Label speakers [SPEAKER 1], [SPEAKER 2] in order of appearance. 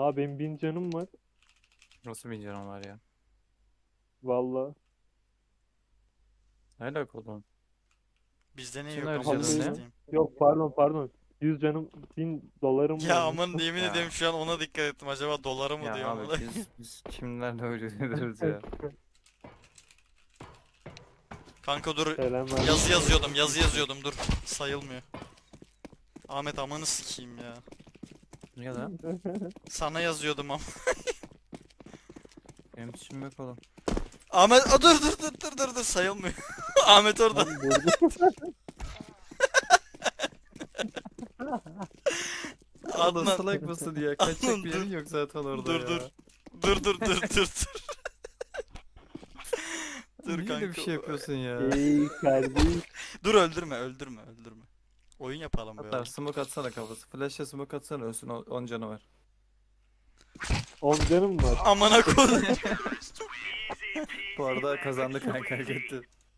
[SPEAKER 1] Abi benim 1000 canım var.
[SPEAKER 2] Nasıl bir canım var ya?
[SPEAKER 1] Valla.
[SPEAKER 2] Ne alaka oğlum?
[SPEAKER 3] Bizde ne
[SPEAKER 2] Senin
[SPEAKER 3] yok
[SPEAKER 2] harcadığın
[SPEAKER 3] amına
[SPEAKER 1] Vallahi
[SPEAKER 2] ne?
[SPEAKER 1] lan.
[SPEAKER 3] sikeyim.
[SPEAKER 1] Yok pardon. 100 canım 1000 dolarım
[SPEAKER 3] Ya
[SPEAKER 1] varmış.
[SPEAKER 3] aman yemin
[SPEAKER 2] Ya.
[SPEAKER 3] ederim şu an ona dikkat ettim. Acaba dolara mı
[SPEAKER 2] Ya
[SPEAKER 3] diyor
[SPEAKER 2] abi
[SPEAKER 3] amına.
[SPEAKER 2] biz kimlerle öyle ediyoruz ya?
[SPEAKER 3] Kanka dur.
[SPEAKER 1] Selamlar.
[SPEAKER 3] Yazı yazıyordum dur. Sayılmıyor. Ahmet amanı sikeyim ya.
[SPEAKER 2] Ya da
[SPEAKER 3] Sana yazıyordum ama.
[SPEAKER 2] benim suçum yok oğlum.
[SPEAKER 3] Ahmet dur sayılmıyor. Ahmet orada.
[SPEAKER 1] Lan durdu.
[SPEAKER 2] Allah
[SPEAKER 3] Adnan.
[SPEAKER 2] salak mısın ya? Kaçacak
[SPEAKER 3] Adnan,
[SPEAKER 2] bir yerin yok zaten orada
[SPEAKER 3] Dur
[SPEAKER 2] ya.
[SPEAKER 3] dur. Dur. Dur
[SPEAKER 2] Niye öyle bir
[SPEAKER 3] kanka.
[SPEAKER 2] şey yapıyorsun ya?
[SPEAKER 1] Ey kardeş.
[SPEAKER 3] Dur öldürme. Oyun yapalım be
[SPEAKER 2] Hatta
[SPEAKER 3] oğlum.
[SPEAKER 2] smoke atsana kafası. Flash'e smoke atsana ölsün 10 canı var.
[SPEAKER 1] 10 canım var.
[SPEAKER 3] Amına koy.
[SPEAKER 2] Bu arada kazandı kanka gitti.